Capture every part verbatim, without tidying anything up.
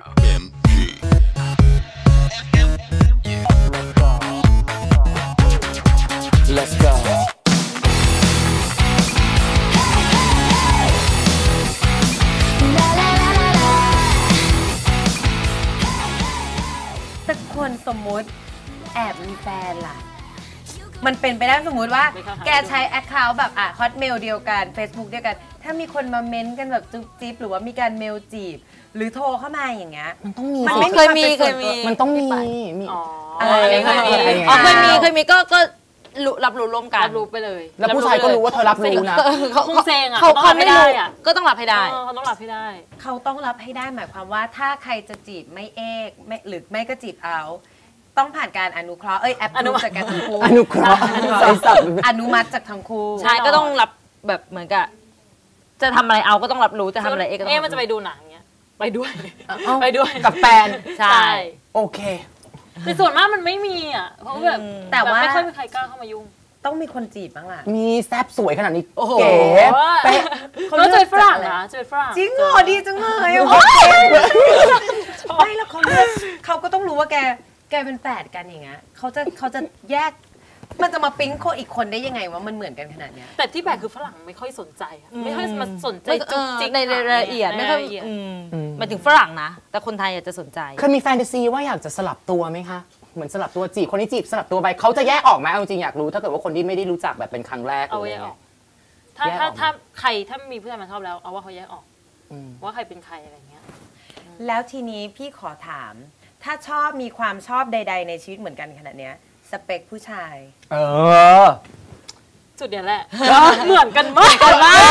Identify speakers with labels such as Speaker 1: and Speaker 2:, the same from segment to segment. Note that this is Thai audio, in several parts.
Speaker 1: Let's go
Speaker 2: แต่คนสมมุติแอบมีแฟนล่ะมันเป็นไปได้สมมุติว่าแกใช้แอคเคาท์แบบอ่ะฮอตเมลเดียวกัน Facebook เดียวกันถ้ามีคนมาเม้นกันแบบจุ๊บจิ๊บหรือว่ามีการเมลจีบหรือโทรเข้ามาอย่างเงี้ย
Speaker 3: มันต้องมี
Speaker 2: มันไม่
Speaker 3: เคยมีเคยมี
Speaker 2: มั
Speaker 3: นต้องมีมี
Speaker 2: อ๋อ
Speaker 3: เคยมีอ๋อเคยมีเคยมีก็ก็รับรู้ร่วมกัน
Speaker 4: รับรู้ไปเลย
Speaker 3: แล้วผู้ชายก็รู้ว่าเธอรับรู้นะ
Speaker 4: เขาคงเซ็งอ่ะ
Speaker 3: เขาเขาไม่ได้อ่ะก็ต้องรับให้ได้
Speaker 4: เขาต้องรับให้ได้
Speaker 2: เขาต้องรับให้ได้หมายความว่าถ้าใครจะจีบไม่เอกไม่หรือไม่ก็จีบเอาต้องผ่านการอนุเคราะห์เอ้ยแอปอนุมัติจากทั้งคู่
Speaker 3: อนุเคราะห์
Speaker 2: อนุมัติจากทั้งคู่
Speaker 3: ใช่ก็ต้องรับแบบเหมือนกับจะทำอะไรเอาก็ต้องรับรู้จะทำอะไรเอกก็ต้อง
Speaker 4: เอ๊ะมันจะไปดูหนังเงี้ยไปด้วยไปด้วย
Speaker 3: กับแฟน
Speaker 4: ใช่
Speaker 3: โอเค
Speaker 4: แต่ส่วนมากมันไม่มีอ่ะเพราะแบบแต่ว่าไม่ค่อยมีใครกล้าเข้ามายุ่ง
Speaker 2: ต้องมีคนจีบบ้างล่ะ
Speaker 3: มีแซบสวยขนาดนี้เก๋
Speaker 4: เป๊ะเขาเจอฝรั่งนะเจอฝรั่ง
Speaker 2: จริงเหรอดีจังเลยไม่แล้วเขาเขาก็ต้องรู้ว่าแกแกเป็นแฝดกันอย่างเงี้ยเขาจะเขาจะแยกมันจะมาปิ๊งโคอีกคนได้ยังไงว่ามันเหมือนกันขนาดเนี้ย
Speaker 4: แต่ที่แปลกคือฝรั่งไม่ค่อยสนใจไม่ค่อยมาสนใจจุกจิก
Speaker 3: ในรายละเอียดไม่ค่อยหมายถึงฝรั่งนะแต่คนไทยอาจจะสนใจเคยมีแฟนตาซีว่าอยากจะสลับตัวไหมคะเหมือนสลับตัวจีบคนที่จีบสลับตัวไปเขาจะแยกออกไหมเอาจริงอยากรู้ถ้าเกิดว่าคนที่ไม่ได้รู้จักแบบเป็นครั้งแรก
Speaker 4: เอาแยกออกถ้าถ้าถ้าใครถ้ามีผู้ชายมาชอบแล้วเอาว่าเขาแยกออกว่าใครเป็นใครอะไรเงี้ย
Speaker 2: แล้วทีนี้พี่ขอถามถ้าชอบมีความชอบใดๆในชีวิตเหมือนกันขนาดเนี้ยสเปคผู้ชาย
Speaker 3: เออ
Speaker 4: จุดเนี้ยแหละเหมือนกันมาก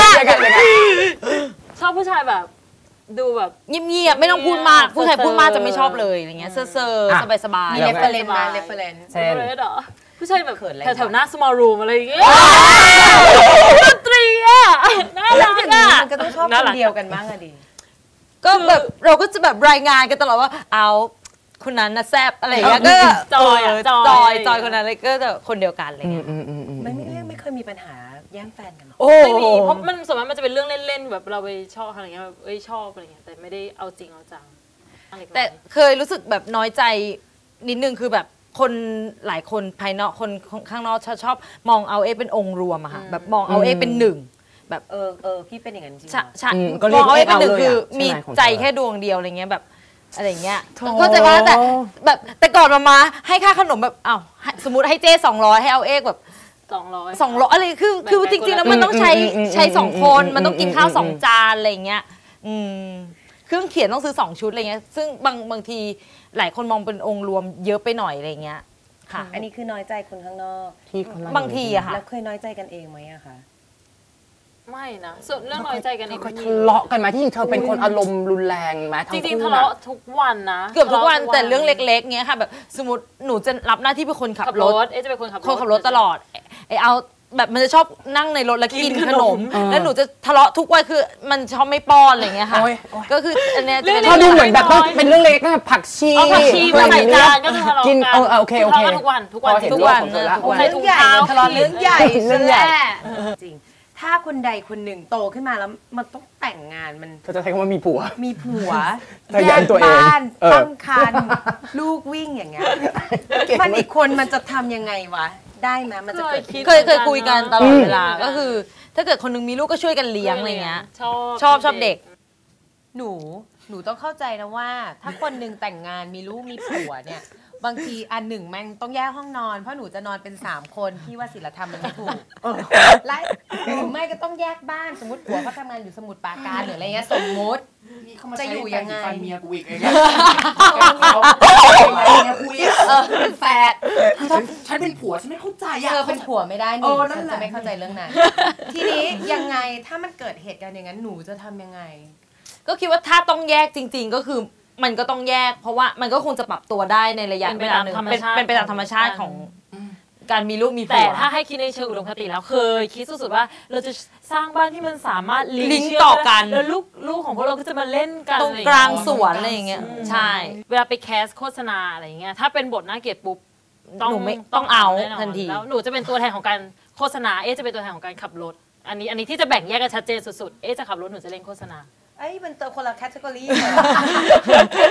Speaker 4: ชอบผู้ชายแบบดูแบบ
Speaker 3: เงียบๆไม่ต้องพูดมากผู้ชายพูดมากจะไม่ชอบเลยอย่างเงี้ยเซ่อๆสบายๆ
Speaker 2: มีเรฟเฟอเรนซ์มาเรฟเฟอเรนซ์
Speaker 4: เช่นผู้ชายแบบแถวๆหน้า small room อะไรอย่างเงี้ยดนตรีอ่ะน่ารักอ่ะ
Speaker 2: มันก็ต้องชอบคนเดียวกันบ้างอะดิ
Speaker 3: ก็แบบเราก็จะแบบรายงานกันตลอดว่าเอาคนนั้นนะแซบอะไรอย่างเงี้ยก็
Speaker 4: จอย
Speaker 3: จอยจอยคนนั้นเลยก็จะคนเดียวกันอะไรเงี้ย
Speaker 2: ไม่ไม่ไม่เคยมีปัญหาแย่งแฟนกัน
Speaker 4: ไม่มีเพราะมันส่วนมากมันจะเป็นเรื่องเล่นๆแบบเราไปชอบอะไรเงี้ยแบบเอ้ยชอบอะไรเงี้ยแต่ไม่ได้เอาจริงเอาจัง
Speaker 3: แต่เคยรู้สึกแบบน้อยใจนิดนึงคือแบบคนหลายคนภายนอกคนข้างนอกชอบมองเอาเอเป็นองค์รวมอะค่ะแบบมองเอาเอเป็นหนึ่งแบบ
Speaker 2: เออเออพี่เป็นอย่างนั้นจริง
Speaker 3: ใช่มองเอาเอเป็นหนึ่งคือมีใจแค่ดวงเดียวอะไรเงี้ยแบบอะไรเงี้ยเข้าใจว่าแต่แบบแต่ก่อนมามาให้ค่าขนมแบบอ้าวสมมติให้เจ้สองร้อยให้เอาเอกแบบ
Speaker 4: สองร้อย
Speaker 3: สองร้อยอะไรคือคือจริงๆแล้วมันต้องใช้ใช้สองคนมันต้องกินข้าวสองจานอะไรเงี้ยอืมเครื่องเขียนต้องซื้อสองชุดอะไรเงี้ยซึ่งบางบางทีหลายคนมองเป็นองค์รวมเยอะไปหน่อยอะไรเงี้ยค่ะ
Speaker 2: อันนี้คือน้อยใจคนข้างนอก
Speaker 3: บางทีอะค่ะ
Speaker 2: แล้วเคยน้อยใจกันเองไหมอะคะ
Speaker 4: ไม่นะส่วนเรื่องน้อยใจกันเอง
Speaker 3: เคยทะเลาะกันไหมที่จริงเธอเป็นคนอารมณ์รุนแรงไหม
Speaker 4: จริงๆทะเลาะทุกวันนะ
Speaker 3: เกือบทุกวันแต่เรื่องเล็กๆเงี้ยค่ะแบบสมมติหนูจะรับหน้าที่เป็นคนขับรถ
Speaker 4: เอ๊ะจะเป็นคนขับรถ
Speaker 3: คนขับรถตลอดไอเอาแบบมันจะชอบนั่งในรถแล้วกินขนมแล้วหนูจะทะเลาะทุกวันคือมันชอบไม่ป้อนอะไรเงี้ยค่ะก็คืออันเนี้ยจะเป็น
Speaker 2: ดูเหมือนแบบเป็นเรื่องเล็กนะผักชี
Speaker 4: ผักชีใส่จานก็ทะเลาะ
Speaker 3: กินเออโอเคโอเค
Speaker 4: ทุกวันทุกวัน
Speaker 3: ทุกวัน
Speaker 2: ใส่ถุงเท้าทะเลาะเรื่องใหญ่เรื่องใหญ่จริงถ้าคนใดคนหนึ่งโตขึ้นมาแล้วมันต้องแต่งงานมัน
Speaker 3: เขาจะใช้คำว่ามีผัว
Speaker 2: มีผัว
Speaker 3: แยกบ้าน
Speaker 2: ตั้งครรภ์ลูกวิ่งอย่างเงี้ยมันอีกคนมันจะทำยังไงวะได้ไหมมันจะเกิด
Speaker 3: เคยเคยคุยกันตลอดเวลาก็คือถ้าเกิดคนนึงมีลูกก็ช่วยกันเลี้ยงอะไรเงี้ยชอบชอบชอบเด็ก
Speaker 2: หนูหนูต้องเข้าใจนะว่าถ้าคนนึงแต่งงานมีลูกมีผัวเนี่ยบางทีอันหนึ่งแม่งต้องแยกห้องนอนเพราะหนูจะนอนเป็นสามคนพี่ว่าศีลธรรมมันไม่ถูกและหรือไม่ก็ต้องแยกบ้านสมมติผัวเขาทำงานอยู่สมุทรปราการหรืออะไรเงี้ยสมมติจะอยู่ยังไง
Speaker 1: เมียกูอีกเอง
Speaker 2: เป็นแฟน
Speaker 1: ฉันเป็นผัวฉันไม่เข้าใจอ่ะ
Speaker 2: เธอเป็นผัวไม่ได้หนูฉันจะไม่เข้าใจเรื่องนั้นทีนี้ยังไงถ้ามันเกิดเหตุการณ์อย่างนั้นหนูจะทำยังไง
Speaker 3: ก็คิดว่าถ้าต้องแยกจริงๆก็คือมันก็ต้องแยกเพราะว่ามันก็คงจะปรับตัวได้ในระยะเวลาหนึ่งเป็นไปตามธรรมชาติของการมีลูกมีผัว
Speaker 4: แต่ถ้าให้คิดในเชิงอุดมคติแล้วเคยคิดสุดๆว่าเราจะสร้างบ้านที่มันสามารถ
Speaker 3: ลิงก์ต่อกัน
Speaker 4: แล้วลูกลูกของพวกเราก็จะมาเล่นกัน
Speaker 3: ตรงกลางสวนอะไรอย่างเงี้ยใช่
Speaker 4: เวลาไปแคสโฆษณาอะไรอย่างเงี้ยถ้าเป็นบทน่าเกลียดปุ๊บ
Speaker 3: หนูไม่ต้องเอาทันที
Speaker 4: แล้วหนูจะเป็นตัวแทนของการโฆษณาเอ๊จะเป็นตัวแทนของการขับรถอันนี้อันนี้ที่จะแบ่งแยกกันชัดเจนสุดๆเอ๊จะขับรถหนูจะเล่นโฆษณา
Speaker 2: ไอ้มันเติมคนละแคตตาล็อกเลยขับ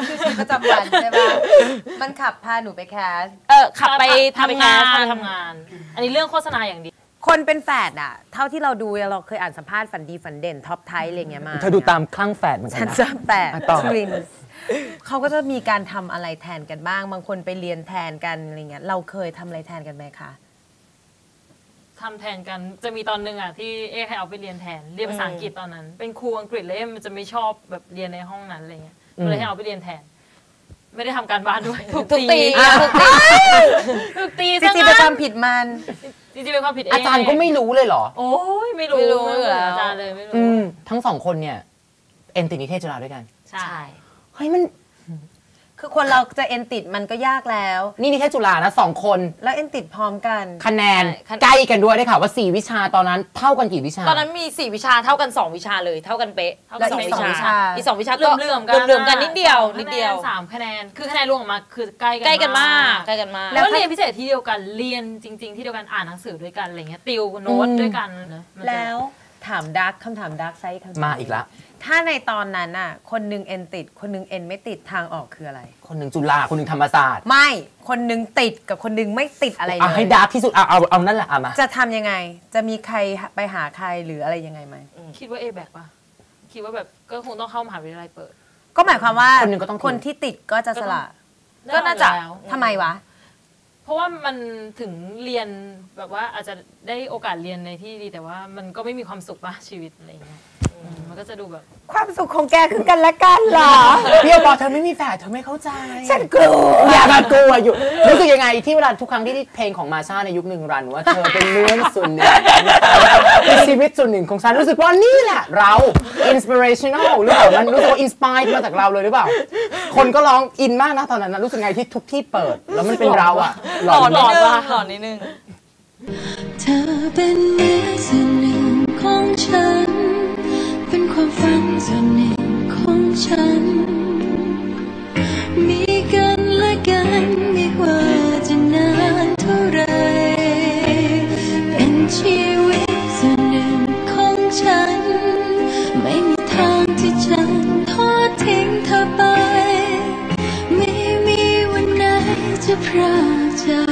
Speaker 2: คือชีวิตประจำวันใช่ปะมันขับพาหนูไปแคส
Speaker 3: เออขับไปทำงาน
Speaker 4: พาไปทำงาน อันนี้เรื่องโฆษณาอย่างเดียว
Speaker 2: คนเป็นแฝดอะเท่าที่เราดูเราเคยอ่านสัมภาษณ์ฝันดีฝันเด่นท็อปไทยอะไรเงี้ยมา
Speaker 5: เธอดูตามคลั่งแฝดเหมือนกั
Speaker 2: ฉั
Speaker 5: น
Speaker 2: น
Speaker 5: นะ
Speaker 2: จะแปด
Speaker 5: อ่ะต่อ
Speaker 2: ทรินส์เขาก็จะมีการทำอะไรแทนกันบ้าง บางคนไปเรียนแทนกันอะไรเงี้ยเราเคยทำอะไรแทนกันไหมคะ
Speaker 4: ทำแทนกันจะมีตอนหนึ่งอ่ะที่เอ๊ให้เอาไปเรียนแทนเรียนภาษาอังกฤษตอนนั้น เป็นครูอังกฤษเลยมันจะไม่ชอบแบบเรียนในห้องนั้นอะไรเงี้ยก็เลยให้เอาไปเรียนแทน ไม่ได้ทำการบ้านด้วยถูก
Speaker 3: ถูกตี
Speaker 2: ถูกตี
Speaker 4: ถูกตี
Speaker 2: จริงๆเป็นความผิดมัน
Speaker 4: จริงๆเป็นความผิดเอง
Speaker 5: อาจารย์ก็ไม่รู้เลยเหรอ
Speaker 4: โอ้ยไม่รู้
Speaker 3: ไม่รู้
Speaker 4: ไม่รู้
Speaker 3: แล้ว
Speaker 4: อาจารย์เลยไม่รู้
Speaker 5: อืมทั้งสองคนเนี่ยเอ็นติดนิเทศจุฬาด้วยกัน
Speaker 4: ใช่
Speaker 5: เฮ้ยมัน
Speaker 2: คือคนเราจะเอ็นติดมันก็ยากแล้ว
Speaker 5: นี่นิเทศจุฬานะสองคน
Speaker 2: แล้วเอ็นติดพร้อมกัน
Speaker 5: คะแนน
Speaker 3: ใช่
Speaker 5: ใกล้กันด้วยได้ข่าวว่าสี่วิชาตอนนั้นเท่ากันกี่วิชา
Speaker 3: ตอนนั้นมีสี่วิชาเท่ากันสองวิชาเลยเท่ากันเป๊ะ
Speaker 2: แล้วอีกสองวิชา
Speaker 3: อีกสองวิชา
Speaker 4: เลื่
Speaker 3: ก็
Speaker 4: อมเลื่อมๆกัน
Speaker 3: เลื่อมๆกันนิดเดียวนิดเดียว
Speaker 4: สามคะแนนคือคะแนนรวมออกมาคือใกล้กัน
Speaker 3: ใกล้กันมากใกล้กันมาก
Speaker 4: แล้วเรียนพิเศษที่เดียวกันเรียนจริง ๆ ที่เดียวกันอ่านหนังสือด้วยกันอะไรเงี้ยติวโน้ตด้วยกันนะมันจะ
Speaker 2: แล้วถามดักคำถามดักไซส์คำถาม
Speaker 5: มาอีกแล้ว
Speaker 2: ถ้าในตอนนั้นน่ะคนหนึงเอ็นติดคนหนึงเอ็นไม่ติดทางออกคืออะไร
Speaker 5: คนหนึ่งจุฬาคนหนึ่งธรรมศาสตร์
Speaker 2: ไม่คนหนึงติดกับคนหนึงไม่ติดอะไรเล
Speaker 5: อ่ะให้
Speaker 2: ย
Speaker 5: ดาร์กที่สุดเอาเอาเอานั่นแหละอ่ะมา
Speaker 2: จะทำยังไงจะมีใครไปหาใครหรืออะไรยังไงไหม
Speaker 4: คิดว่าเอแบกป่ะคิดว่าแบบก็คงต้องเข้ามหาวิทยาลัยเปิด
Speaker 2: ก็หมายความว่า
Speaker 5: คนหนึ่งก็ต้องทิ้ง
Speaker 2: คนที่ติดก็จะสละ
Speaker 3: ก็น่าจะ
Speaker 4: แล้ว
Speaker 2: ทำไมวะ
Speaker 4: เพราะว่ามันถึงเรียนแบบว่าอาจจะได้โอกาสเรียนในที่ดีแต่ว่ามันก็ไม่มีความสุขป่ะชีวิตอะไรเงี้ยอืมมันก็จะดูแบบ
Speaker 2: ความสุขของแกคือกันและกันเหรอ
Speaker 5: เพี่ยวบอกเธอไม่มีแฝดเธอไม่เข้าใจ
Speaker 2: ฉันกลัว
Speaker 5: อย่ามากลัวอยู่รู้สึกยังไงที่เวลาทุกครั้งที่เพลงของมาชาในยุคหนึ่งรันว่าเธอเป็นเนื้อส่วนหนึ่งเป็นชีวิตส่วนหนึ่งของฉันรู้สึกว่านี่แหละเรา inspirational หรือเปล่ามันรู้สึกว่า inspired มาจากเราเลยหรือเปล่า คนก็ร้องอินมากนะตอนนั้นนะรู้สึกไงที่ทุกที่เปิด แล้วมันเป็นเราอะหล
Speaker 3: หล
Speaker 5: อ
Speaker 3: อน น
Speaker 5: หล
Speaker 3: นิ
Speaker 5: อ
Speaker 3: ด
Speaker 5: น
Speaker 3: นึง
Speaker 5: ว่า
Speaker 3: หลอนนิดนึง
Speaker 6: เธอเป็นเนื้อส่วนหนึ่งของฉัน เป็นความฝันส่วนหนึ่งของฉัน มีกันและกันไม่ว่าจะนานเท่าไร เป็นชีวิตส่วนหนึ่งของฉัน ไม่มีทางที่ฉันทอดทิ้งเธอไป ไม่มีวันไหนจะพรากจาก